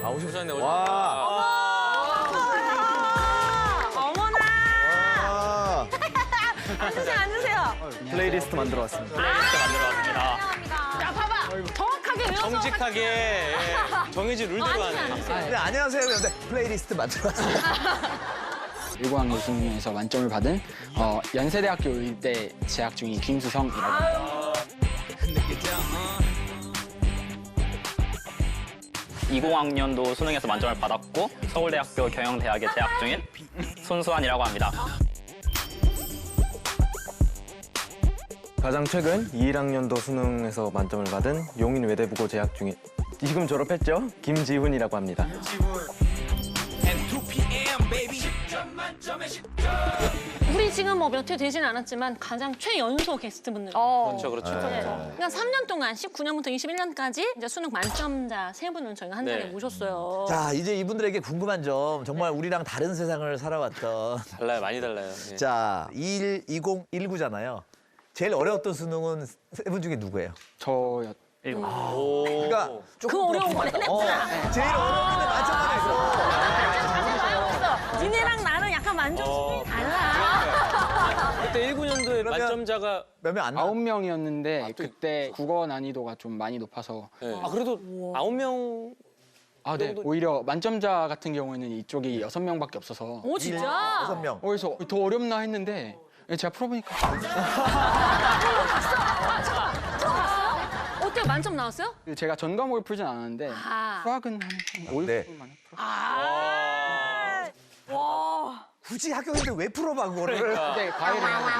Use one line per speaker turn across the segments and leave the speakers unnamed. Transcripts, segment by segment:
오셨네, 오셨네.
어머나! 앉으세요, 앉으세요.
플레이리스트 만들어 왔습니다.
플레이리스트 만들어 왔습니다.
야, 봐봐. 정확하게 외워서.
정직하게 예, 정해진 룰대로 하네.
네, 안녕하세요. 네, 플레이리스트 만들어 왔습니다.
1공학년 수능에서 만점을 받은 연세대학교 의대 재학 중인 김수성이라고 합니다.
20학년도 수능에서 만점을 받았고 서울대학교 경영대학에 재학 중인 손수환이라고 합니다.
가장 최근 21학년도 수능에서 만점을 받은 용인 외대부고 재학 중인 지금 졸업했죠? 김지훈이라고 합니다.
우리 지금 뭐 몇 회 되진 않았지만 가장 최연소 게스트분들.
그렇죠, 그렇죠.
그러니까 3년 동안 19년부터 21년까지 이제 수능 만점자 세 분을 저희가 한 자리에
네.
모셨어요.
자, 이제 이분들에게 궁금한 점, 정말 우리랑 다른 세상을 살아왔던.
달라요, 많이 달라요. 예.
자, 2019잖아요. 제일 어려웠던 수능은 세 분 중에 누구예요?
저였.
오.
그러니까
그 어려운 거 내냈잖아.
제일 어려운데 만점만 했어.
니네랑 나는 약간 만점 수준이 달라.
그때 19년도에
그러면-
만점자가
몇 명 안 나?
9명이었는데
또
그때 국어 난이도가 좀 많이 높아서
예. 아 그래도 9명
네. 오히려 만점자 같은 경우에는 이쪽이 6명밖에 없어서
오, 진짜?
6명.
그래서 더 어렵나 했는데 제가 풀어보니까
어때요? 만점 나왔어요?
제가 전 과목을 풀진 않았는데
아.
수학은 한 5, 6분
네.
만에 풀었어요.
와.
굳이 학교인데 왜 풀어봐, 그거를.
그러니까.
근데 과외를 해야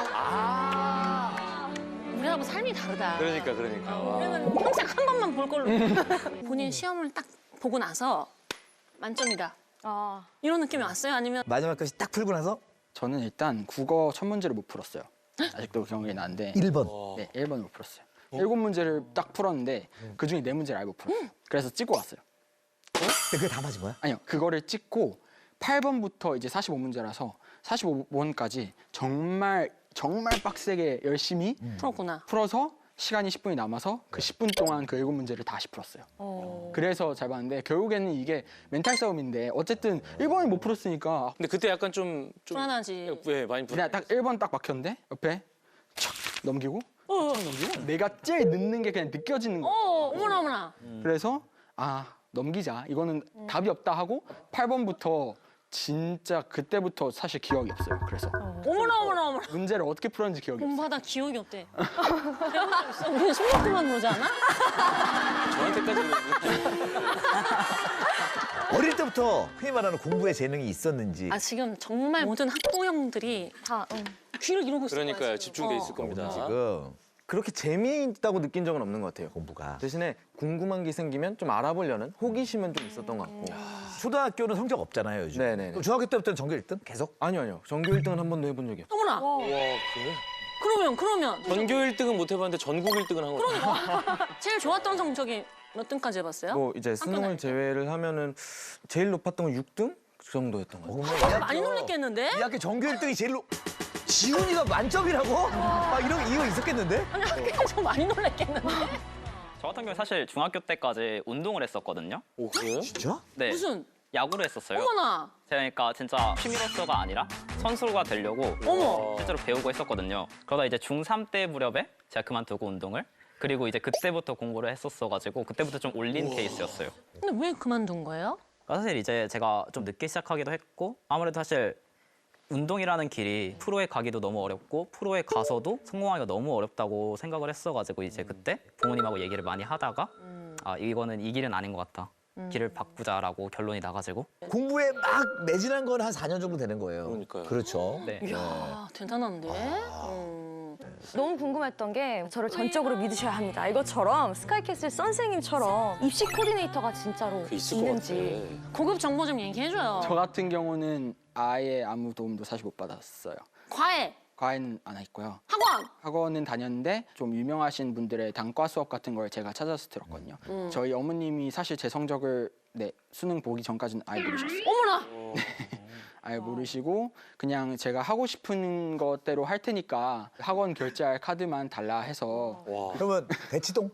우리하고 삶이 다르다.
그러니까. 와.
우리는 평생 한 번만 볼 걸로. 본인 시험을 딱 보고 나서 만점이다. 이런 느낌이 왔어요? 아니면
마지막까지 딱 풀고 나서
저는 일단 국어 첫 문제를 못 풀었어요. 아직도 기억이 나는데
1번.
네, 1번을 못 풀었어요. 7문제를 딱 풀었는데 그중에 4문제를 알고 풀었어요. 그래서 찍고 왔어요.
근데 그게 다 맞은 거야?
아니요, 그거를 찍고 8번부터 이제 45문제라서 45번까지 정말 빡세게 열심히
풀었구나.
풀어서 시간이 10분이 남아서 그 10분 동안 그 7문제를 다시 풀었어요. 그래서 잘 봤는데 결국에는 이게 멘탈 싸움인데 어쨌든 1번을 못 풀었으니까
근데 그때 약간 좀
불안하지.
예, 많이
그냥 딱 1번 딱 막혔는데 옆에 촥 넘기고 촥 넘기고 내가 제일 늦는 게 그냥 느껴지는 거예요.
어머나, 어머나.
그래서 넘기자. 이거는 답이 없다 하고 8번부터 진짜 그때부터 사실 기억이 없어요. 그래서
어머나, 어머나, 어머나.
문제를 어떻게 풀었는지 기억이 없어요.
공부하다 기억이 없대. 배운 적 있어? 우리 숨막히만 그러지 않아?
저한테까지는
어릴 때부터 흔히 말하는 공부에 재능이 있었는지.
아, 지금 정말 모든 학부형들이 다 귀를 이러고 있을 거야.
그러니까요.
지금.
집중돼 있을 겁니다.
지금
그렇게 재미있다고 느낀 적은 없는 것 같아요.
공부가.
대신에 궁금한 게 생기면 좀 알아보려는 호기심은 좀 있었던 것 같고.
초등학교는 성적 없잖아요, 요즘.
네네네.
그럼 중학교 때부터는 전교 1등? 계속?
아니요. 전교 1등은 한 번도 해본 적이 없어요.
어머나.
와, 그래?
그러면
전교 1등은 못 해봤는데 전국 1등은 한 거예요.
제일 좋았던 성적이 몇 등까지 해봤어요?
뭐 이제
다닐
수능을
때.
제외를 하면은 제일 높았던 건 6등? 그 정도였던 것 같아요.
그러면
많이 놀랬겠는데?
이 학교 전교 1등이 제일 지훈이가 만점이라고? 이런 이유 있었겠는데?
아니, 학교에서 많이 놀랬겠는데?
저 같은 경우에 사실 중학교 때까지 운동을 했었거든요.
오, 그래요?
진짜?
네,
무슨?
야구를 했었어요.
어머나.
그러니까 진짜 취미로서가 아니라 선수가 되려고
어머.
실제로 배우고 했었거든요. 그러다 이제 중3 때 무렵에 제가 그만두고 운동을 그리고 이제 그때부터 공부를 했었어가지고 그때부터 좀 올린 케이스였어요.
근데 왜 그만둔 거예요?
그러니까 사실 이제 제가 좀 늦게 시작하기도 했고 아무래도 사실 운동이라는 길이 프로에 가기도 너무 어렵고 프로에 가서도 성공하기가 너무 어렵다고 생각을 했어가지고 이제 그때 부모님하고 얘기를 많이 하다가 이거는 이 길은 아닌 것 같다. 길을 바꾸자라고 결론이 나가지고
공부에 막 매진한 건 한 4년 정도 되는 거예요.
그러니까요.
그렇죠.
네.
이야, 대단한데?
너무 궁금했던 게 저를 전적으로 믿으셔야 합니다. 이것처럼 스카이캐슬 선생님처럼 입시 코디네이터가 진짜로
있을 것
있는지.
같아.
고급 정보 좀 얘기해줘요.
저 같은 경우는 아예 아무 도움도 사실 못 받았어요.
과외,
과외는 안 했고요.
학원.
학원은 다녔는데 좀 유명하신 분들의 단과 수업 같은 걸 제가 찾아서 들었거든요. 저희 어머님이 사실 제 성적을 수능 보기 전까지는 아예 모르셨어요.
어머나.
아예 모르시고 그냥 제가 하고 싶은 것대로 할 테니까 학원 결제할 카드만 달라 해서
와.
그러면 대치동?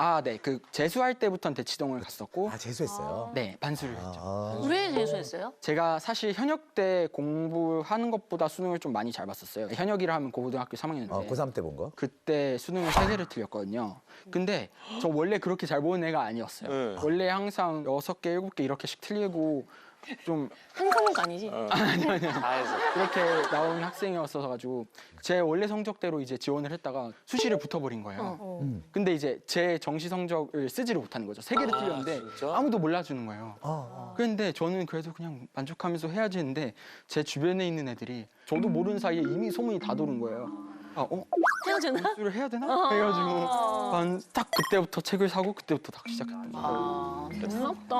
네. 그 재수할 때부터는 대치동을 갔었고,
아 재수했어요.
네, 반수를 했죠.
아.
왜 재수했어요?
제가 사실 현역 때 공부하는 것보다 수능을 좀 많이 잘 봤었어요. 현역이라 하면 고등학교 3학년인데.
고3 때 본 거?
그때 수능을 3개를 틀렸거든요. 근데 저 원래 그렇게 잘 보는 애가 아니었어요.
네.
원래 항상 6개, 7개 이렇게씩 틀리고 좀
한科目 아니지?
다 해서.
그렇게 나온 학생이었어서 가지고 제 원래 성적대로 이제 지원을 했다가 수시를 붙어버린 거예요. 근데 이제 제 정시 성적을 쓰지를 못하는 거죠. 3개를 틀렸는데
진짜?
아무도 몰라주는 거예요. 그런데 저는 그래도 그냥 만족하면서 해야지 했는데 제 주변에 있는 애들이 저도 모르는 사이에 이미 소문이 다 도는 거예요.
헤어지나?
수를 해야 되나? 해가지고 딱 그때부터 책을 사고 그때부터 딱 시작했던 거예요.
무섭다.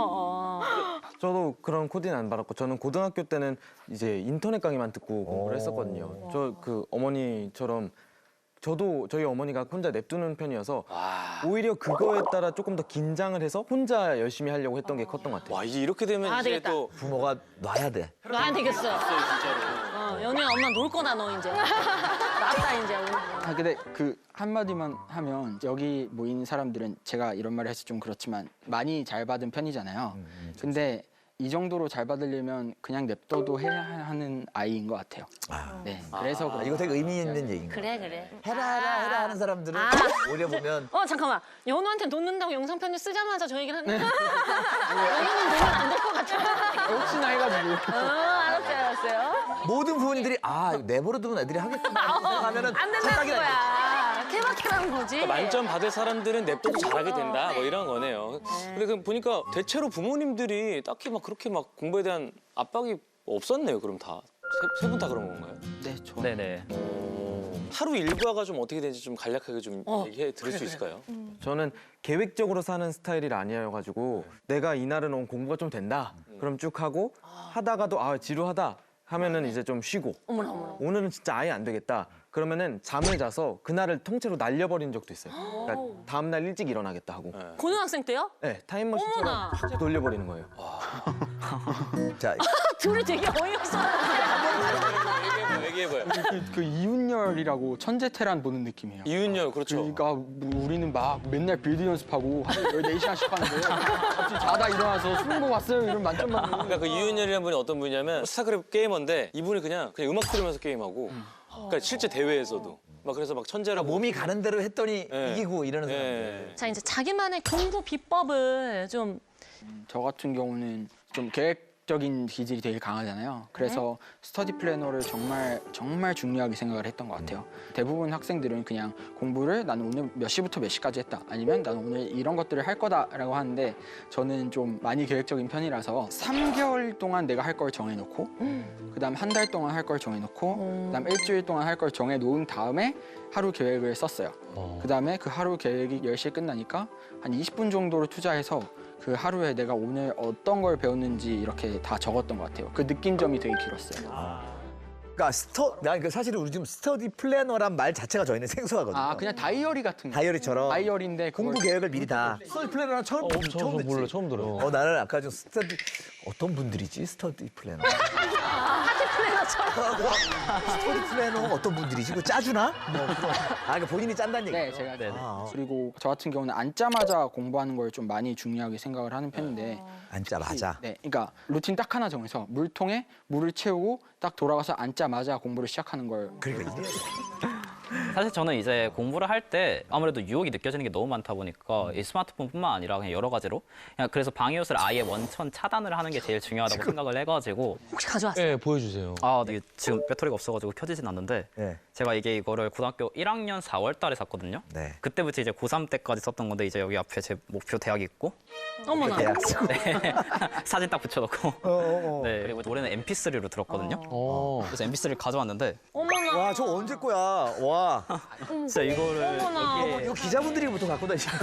저도 그런 코디는 안 받았고 저는 고등학교 때는 이제 인터넷 강의만 듣고 공부를 했었거든요. 저 그 어머니처럼 저도 저희 어머니가 혼자 냅두는 편이어서 오히려 그거에 따라 조금 더 긴장을 해서 혼자 열심히 하려고 했던 게 컸던 것 같아요.
와, 이제 이렇게 되면
아,
이제
되겠다.
또
부모가 놔야 돼.
놔야 되겠어.
진짜로.
연우야 엄마 놀 거다 너 이제. 낫다 이제.
근데 그 한마디만 하면 여기 모인 사람들은 제가 이런 말을 해서 좀 그렇지만 많이 잘 받은 편이잖아요. 근데 이 정도로 잘 받으려면 그냥 냅둬도 해야 하는 아이인 것 같아요. 네, 그래서
아, 이거 되게 의미 있는 얘기인 거.
그래.
해라 하는 사람들은 오히려 보면
잠깐만. 연우한테 놓는다고 영상 편지 쓰자마자 저 얘기를 하는 거야. 연우는 놓으면 안 될 것 같아.
혹시나 해가지고
알았어요.
모든 부모님들이 아 이거 내버려두면 애들이 하겠구나 생각하면은
안 된다는 거야. 케바케라는 거지.
만점 받을 사람들은 냅둬도 잘하게 된다. 뭐 이런 거네요. 근데 그 보니까 대체로 부모님들이 딱히 막 그렇게 막 공부에 대한 압박이 없었네요. 그럼 다. 세 분 다 그런 건가요?
네, 저
네네.
하루 일과가 좀 어떻게 되는지 좀 간략하게 좀 얘기해 드릴 수 있을까요?
저는 계획적으로 사는 스타일이 아니어가지고 내가 이날은 공부가 좀 된다. 그럼 쭉 하고 하다가도 지루하다 하면은 이제 좀 쉬고
어머나.
오늘은 진짜 아예 안 되겠다. 그러면은 잠을 자서 그날을 통째로 날려버린 적도 있어요. 그러니까 다음 날 일찍 일어나겠다 하고.
고등학생 때요?
네, 타임머신처럼
어머나.
확 돌려버리는 거예요.
자
둘이 되게 어이없어.
얘기해봐요.
그 이윤열이라고 천재테란 보는 느낌이에요.
이윤열, 그렇죠.
그러니까 우리는 막 맨날 빌드 연습하고 하루에 14시간씩 하는데 갑자기 자다 일어나서 술 먹고 왔어요 이런 만점 받는
그러니까 그 이윤열이라는 분이 어떤 분이냐면 스타크래프트 게이머인데 이분이 그냥 음악 들으면서 게임하고 그러니까 실제 대회에서도 막 그래서 막 천재라고
몸이 가는 대로 했더니
네.
이기고 이러는 사람들.
예.
자 이제 자기만의 공부 비법을 좀
저 같은 경우는 좀 계획적인 기질이 되게 강하잖아요. 그래서 스터디 플래너를 정말 중요하게 생각을 했던 것 같아요. 대부분 학생들은 그냥 공부를 나는 오늘 몇 시부터 몇 시까지 했다. 아니면 나는 오늘 이런 것들을 할 거다라고 하는데 저는 좀 많이 계획적인 편이라서 3개월 동안 내가 할 걸 정해놓고 그다음 한 달 동안 할 걸 정해놓고 그다음 일주일 동안 할 걸 정해놓은 다음에 하루 계획을 썼어요. 그다음에 그 하루 계획이 10시에 끝나니까 한 20분 정도를 투자해서 그 하루에 내가 오늘 어떤 걸 배웠는지 이렇게 다 적었던 것 같아요. 그 느낌점이 되게 길었어요.
그러니까 사실은 우리 지금 스터디 플래너란 말 자체가 저희는 생소하거든요.
그냥 다이어리 같은 거.
다이어리처럼
다이어리인데
공부 계획을 미리 다. 스터디 플래너는 처음 듣지.
처음 들어요.
나는 아까 좀 스터디 어떤 분들이지 스터디 플래너. 스터디 플래너 어떤 분들이지? 그 짜주나? 그러니까 본인이 짠다는 얘기죠.
네, 제가
네네.
그리고 저 같은 경우는 앉자마자 공부하는 걸 좀 많이 중요하게 생각을 하는 편인데
앉자마자.
네, 그러니까 루틴 딱 하나 정해서 물통에 물을 채우고 딱 돌아가서 앉자마자 공부를 시작하는 걸.
그러니까 이게
사실 저는 이제 공부를 할 때 아무래도 유혹이 느껴지는 게 너무 많다 보니까 이 스마트폰뿐만 아니라 그냥 여러 가지로 그냥 그래서 방해옷을 아예 원천 차단을 하는 게 제일 중요하다고 생각을 해가지고
혹시 가져왔어요?
네, 보여주세요.
이게 지금 배터리가 없어가지고 켜지진 않는데
네.
제가 이거를 고등학교 1학년 4월 달에 샀거든요.
네.
그때부터 이제 고3 때까지 썼던 건데 이제 여기 앞에 제 목표 대학이 있고
어머나.
대학 쓰고.
사진 딱 붙여놓고 네 그리고 노래는 MP3로 들었거든요. 그래서 MP3를 가져왔는데
어머나.
와, 저 언제 거야? 와.
진짜 이거를
어머나.
여기에
이거 기자분들이 보통 갖고 다니시는.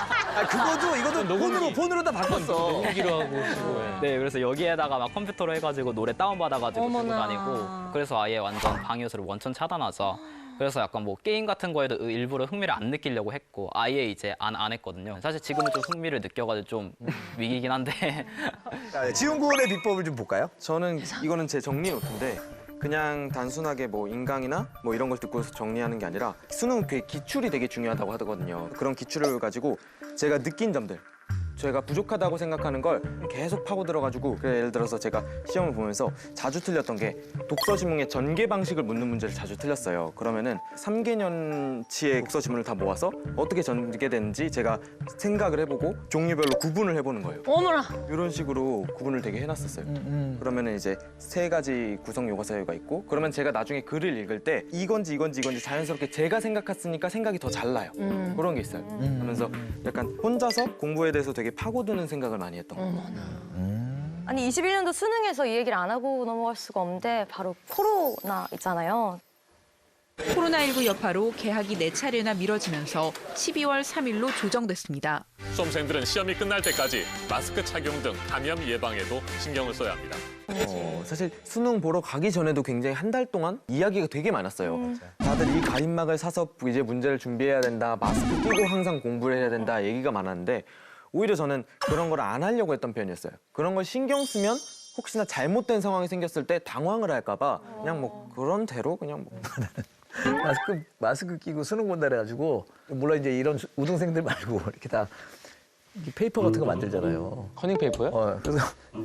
이것도 폰으로 다 바꿨어.
기로 하고 쓰고.
네, 그래서 여기에다가 막 컴퓨터로 해가지고 노래 다운받아가지고 들고
어머나.
다니고 그래서 아예 완전 방해옷을 원천 차단하자. 그래서 약간 뭐 게임 같은 거에도 일부러 흥미를 안 느끼려고 했고 아예 이제 안 했거든요. 사실 지금은 좀 흥미를 느껴가지고 좀 위기긴 한데
지훈 군의 비법을 좀 볼까요?
저는 이거는 제 정리 노트인데 그냥 단순하게 뭐 인강이나 뭐 이런 걸 듣고 정리하는 게 아니라 수능 그 기출이 되게 중요하다고 하거든요. 그런 기출을 가지고 제가 느낀 점들, 제가 부족하다고 생각하는 걸 계속 파고 들어가지고 예를 들어서 제가 시험을 보면서 자주 틀렸던 게 독서 지문의 전개 방식을 묻는 문제를 자주 틀렸어요. 그러면은 3개년치의 독서 지문을 다 모아서 어떻게 전개되는지 제가 생각을 해보고 종류별로 구분을 해보는 거예요.
어머나.
이런 식으로 구분을 되게 해놨었어요. 그러면은 이제 3가지 구성 요가 사유가 있고 그러면 제가 나중에 글을 읽을 때 이건지 자연스럽게 제가 생각했으니까 생각이 더 잘 나요. 그런 게 있어요. 하면서 약간 혼자서 공부에 대해서 되게 파고드는 생각을 많이 했던 것 같아요.
아니 21년도 수능에서 이 얘기를 안 하고 넘어갈 수가 없는데 바로 코로나 있잖아요.
코로나19 여파로 개학이 4차례나 미뤄지면서 12월 3일로 조정됐습니다.
수험생들은 시험이 끝날 때까지 마스크 착용 등 감염 예방에도 신경을 써야 합니다.
사실 수능 보러 가기 전에도 굉장히 한 달 동안 이야기가 되게 많았어요. 다들 이 가림막을 사서 이제 문제를 준비해야 된다, 마스크 끼고 항상 공부를 해야 된다 얘기가 많았는데 오히려 저는 그런 걸 안 하려고 했던 편이었어요. 그런 걸 신경 쓰면 혹시나 잘못된 상황이 생겼을 때 당황을 할까 봐 그냥 뭐 그런 대로 그냥 뭐
마스크 끼고 수능 본다 그래가지고 물론 이제 이런 우등생들 말고 이렇게 다 이렇게 페이퍼 같은 거 만들잖아요.
커닝 페이퍼요?
그래서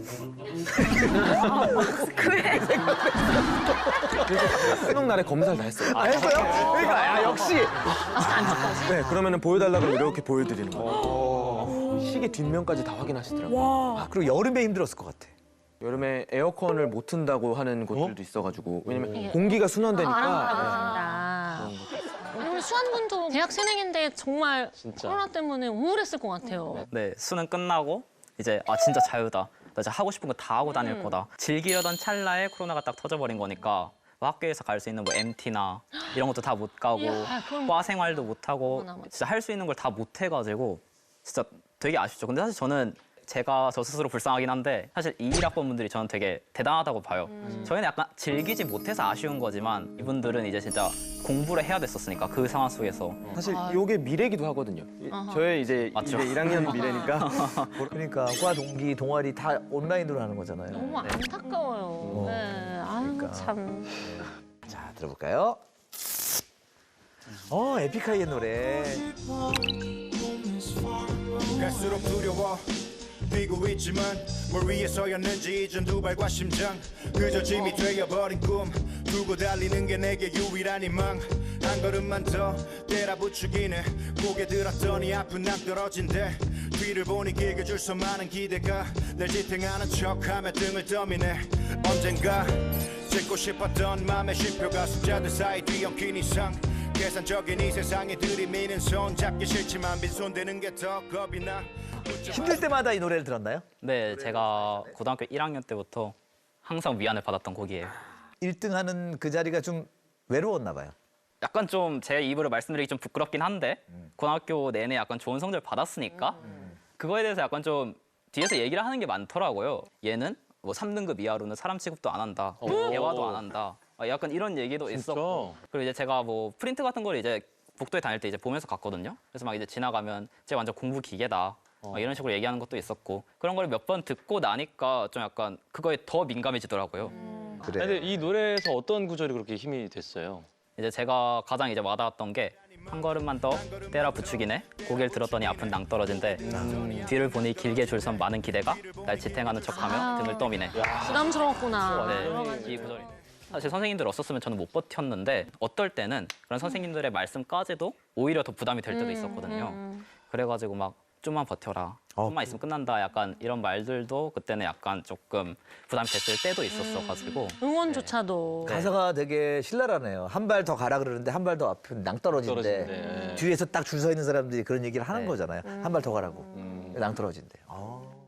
수능 날에 검사를 다 했어요.
했어요? 그러니까 역시
네, 그러면은 보여달라 그러면 이렇게 보여드리는 거예요. 시계 뒷면까지 다 확인하시더라고요.
그리고 여름에 힘들었을 것 같아.
여름에 에어컨을 못 튼다고 하는 곳들도 있어가지고 왜냐면 공기가 순환되니까
우리 수환군도 대학 새내기인데 정말
진짜.
코로나 때문에 우울했을 것 같아요.
네, 수능 끝나고 이제 진짜 자유다. 나 이제 하고 싶은 거 다 하고 다닐 거다. 즐기려던 찰나에 코로나가 딱 터져버린 거니까 뭐 학교에서 갈 수 있는 뭐 MT나 이런 것도 다 못 가고
이야, 그럼-
과 생활도 못 하고
어머나, 어머나.
진짜 할 수 있는 걸 다 못 해가지고 진짜 되게 아쉽죠. 근데 사실 저는 제가 저 스스로 불쌍하긴 한데 사실 21학번 분들이 저는 되게 대단하다고 봐요. 저희는 약간 즐기지 못해서 아쉬운 거지만 이분들은 이제 진짜 공부를 해야 됐었으니까 그 상황 속에서
사실 이게 미래기도 하거든요. 저의 이제
맞죠.
1학년 미래니까
그러니까 과 동기 동아리 다 온라인으로 하는 거잖아요.
너무 안타까워요. 네. 아유
그러니까.
참.
자 들어볼까요? 에픽하이의 노래.
갈수록 두려워 뛰고 있지만 뭘 위해서였는지 이젠 두 발과 심장 그저 짐이 되어버린 꿈 두고 달리는 게 내게 유일한 희망 한 걸음만 더 때라 부추기네 고개 들었더니 앞은 낭떨어진대 뒤를 보니 길게 줄 서 많은 기대가 날 지탱하는 척하며 등을 떠미네 언젠가 짓고 싶었던 맘의 쉼표가 숫자들 사이 뒤엉킨 이상 계산적인 이 세상에 들이미는 손 잡기 싫지만 빈손대는 게 더 겁이 나
힘들 때마다 이 노래를 들었나요?
네, 제가 고등학교 1학년 때부터 항상 위안을 받았던 곡이에요.
1등하는 그 자리가 좀 외로웠나 봐요.
약간 좀 제 입으로 말씀드리기 좀 부끄럽긴 한데 고등학교 내내 약간 좋은 성적을 받았으니까 그거에 대해서 약간 좀 뒤에서 얘기를 하는 게 많더라고요. 얘는 뭐 3등급 이하로는 사람 취급도 안 한다. 대화도 안 한다. 약간 이런 얘기도 있었고 그리고 이제 제가 뭐 프린트 같은 걸 이제 복도에 다닐 때 이제 보면서 갔거든요. 그래서 막 이제 지나가면 쟤 완전 공부 기계다. 막 이런 식으로 얘기하는 것도 있었고 그런 걸 몇 번 듣고 나니까 좀 약간 그거에 더 민감해지더라고요.
그래.
근데 이 노래에서 어떤 구절이 그렇게 힘이 됐어요?
이제 제가 가장 이제 와닿았던 게 한 걸음만 더 때라 부추기네 고개를 들었더니 앞은 낭떨어진데 뒤를 보니 길게 줄 선 많은 기대가 날 지탱하는 척하며 등을 떠미네.
부담스러웠구나.
네, 이 구절이 사실 선생님들 없었으면 저는 못 버텼는데 어떨 때는 그런 선생님들의 말씀까지도 오히려 더 부담이 될 때도 있었거든요. 그래가지고 막 좀만 버텨라. 좀만 있으면 끝난다. 약간 이런 말들도 그때는 약간 조금 부담이 됐을 때도 있었어가지고
응원조차도.
가사가 되게 신랄하네요. 한 발 더 가라 그러는데 한 발 더 앞은 낭떨어진대.
떨어진대.
뒤에서 딱 줄 서 있는 사람들이 그런 얘기를 하는
네.
거잖아요. 한 발 더 가라고. 낭떨어진대.